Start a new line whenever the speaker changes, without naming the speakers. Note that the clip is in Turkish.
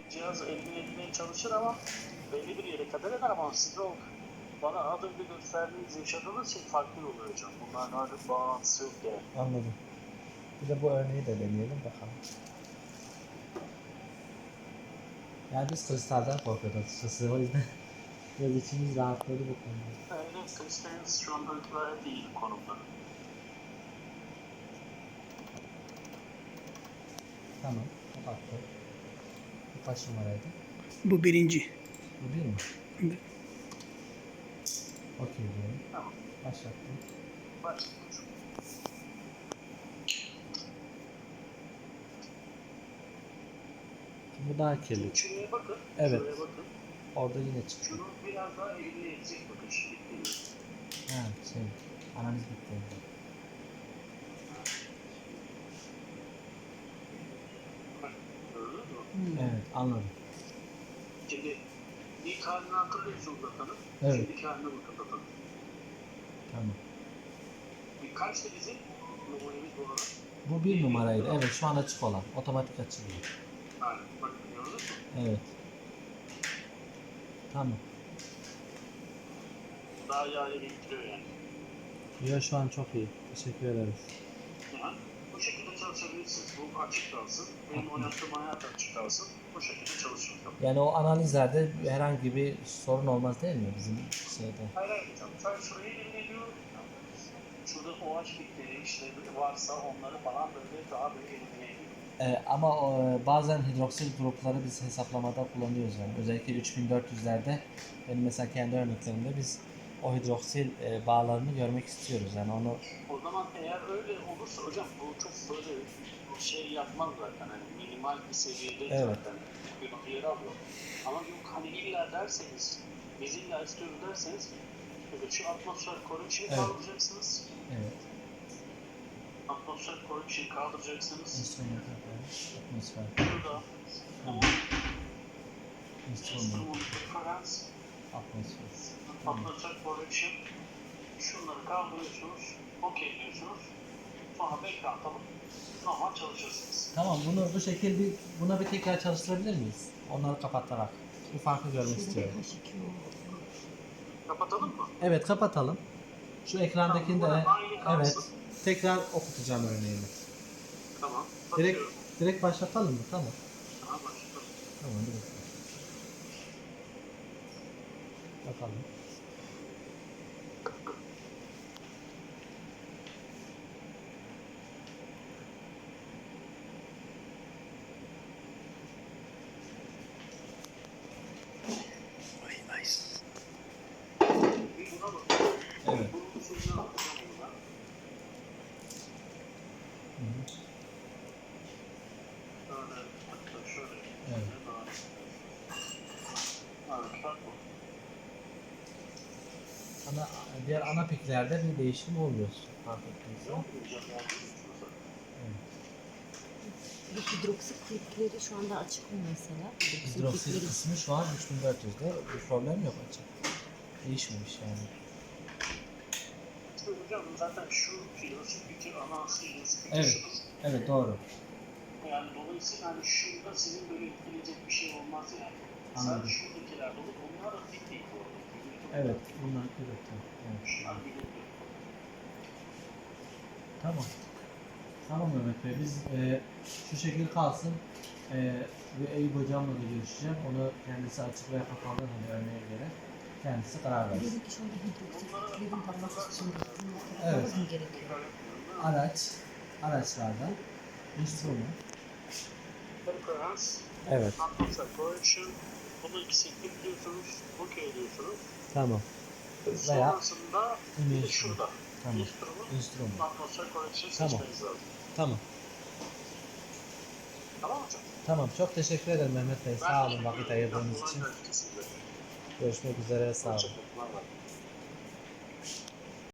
cihazı elimine etmeye çalışır ama belli bir yere kadar eder ama siz o bana az önce gösterdiğiniz yaşadığınız şey farklı oluyor hocam. Bunların artık bağlantısı yok yani.
Anladım. Bir de bu örneği de deneyelim bakalım. Yani biz kristalden korkuyoruz açıkçası, o yüzden biraz içimiz rahatladı bu konuda.
Evet, kristalin şu anda gayet iyi konumda.
Tamam, kapattım. Bu kaç numaraydı?
Bu birinci.
Bu değil mi?
Evet.
Okey diyorum.
Tamam.
Başlattım.
Başlayalım.
Bu daha kirli.
Şuraya bakın.
Evet.
Şuraya bakın.
Orada yine çıktı.
Şunu biraz daha eline edecek bakın şimdi.
Ha şey, analiz bitti.
Gördünüz mü?
Evet, anladım.
Şimdi ilk halini hatırlıyorsunuz zaten.
Evet.
Şimdiki haline bakın zaten.
Tamam.
Kaçtı bizim numaramız bu arada?
Bu bir numaraydı. Evet, şu an açık olan. Otomatik açılıyor.
Aynen. Bakın gördünüz mü?
Evet. Tamam.
Daha yağya getiriyor yani.
Ya şu an çok iyi. Teşekkür ederiz.
Yani bu şekilde çalışabilirsiniz. Bu açık kalsın. Benim oynattığım hayat açık kalsın. Bu şekilde çalışın.
Yani o analizlerde herhangi bir sorun olmaz değil mi bizim şeyde?
Hayır hayır hocam. Sadece şurayı eline ediyorum. Şurada OH bitleri işte varsa onları falan böyle daha böyle elimine ediyorum.
Ama bazen hidroksil grupları biz hesaplamada kullanıyoruz yani. Özellikle 3400'lerde benim mesela kendi örneklerimde biz o hidroksil bağlarını görmek istiyoruz. Yani onu
O zaman eğer öyle olursa hocam bu çok böyle şey yapmaz zaten. Hani minimal bir seviyede
Evet.
zaten bir yer alıyor. Ama yok hani illa derseniz biz illa istiyoruz derseniz evet, şu atmosfer correction
Evet.
kaldıracaksınız.
evet.
Atmosfer correction kaldıracaksınız.
Instrument atmosfer.
Şurada
Tamam. Instrument
instrument reference,
atmosfer. Tamam.
atmosfer correction. Şunları kaldırıyorsunuz. OK diyorsunuz. Sonra background alıp normal çalışırsınız.
Tamam, bunu bu şekilde buna bir tekrar çalıştırabilir miyiz? Onları kapatarak. Bu farkı görmek istiyorum.
Kapatalım mı?
Evet, kapatalım. Şu ekrandakini de
Tamam, aynı kalsın.
evet. Tekrar okutacağım örneğini.
Tamam.
Direkt
Bakıyorum.
direkt başlatalım mı? Tamam.
Tamam başlatalım.
Tamam, direkt. Bakalım.
Bir buna bakıyorum.
Evet.
Bunun suyuna bakacağım ona.
Hı hı.
Şöyle, hatta şöyle.
Evet.
Evet, bak bu.
Diğer ana piklerde bir değişim olmuyor. Fark ettiyse.
Yok mu hocam? Yani,
Bu hidroksit klipleri şu anda açık mı mesela?
Hidroksil
klipleri-
kısmı şu an 3400'de. Bir problem yok açık. Değişmemiş yani.
İşte hocam zaten şu filosu fikir ana filosu fikir
Evet.
şudur.
Evet, doğru.
Yani dolayısıyla hani şurada sizin böyle etkileyecek bir şey olmaz yani.
Anladım.
Sadece şuradakiler dolu. Onlar da dik değil bu arada.
Evet, bunlar kırıktı. Evet.
Şunlar birlikte.
Tamam. Tamam Mehmet Bey, biz şu şekil kalsın. Ve Eyüp hocamla da görüşeceğim. Onu kendisi açık veya kapalı hani örneğe göre kendisi karar versin.
Dedik ki şu anda hidroksit kliplerin tanıması için
Evet.
evet. mı gerekiyor?
Araçlardan instrument.
Reference,
Evet.
atmosfer correction. Bunu ikisini ekliyorsunuz, OK diyorsunuz.
Tamam.
Sonrasında bir de
Instrument.
şurada.
Tamam.
Instrument, atmosfer correction
Tamam.
seçmeniz lazım.
Tamam.
Tamam mı hocam?
Tamam. Çok teşekkür ederim Mehmet Bey. Sağ olun vakit ayırdığınız için.
Kesinlikle.
Görüşmek üzere. Sağ olun.
Hoşçakalın. Bay bay.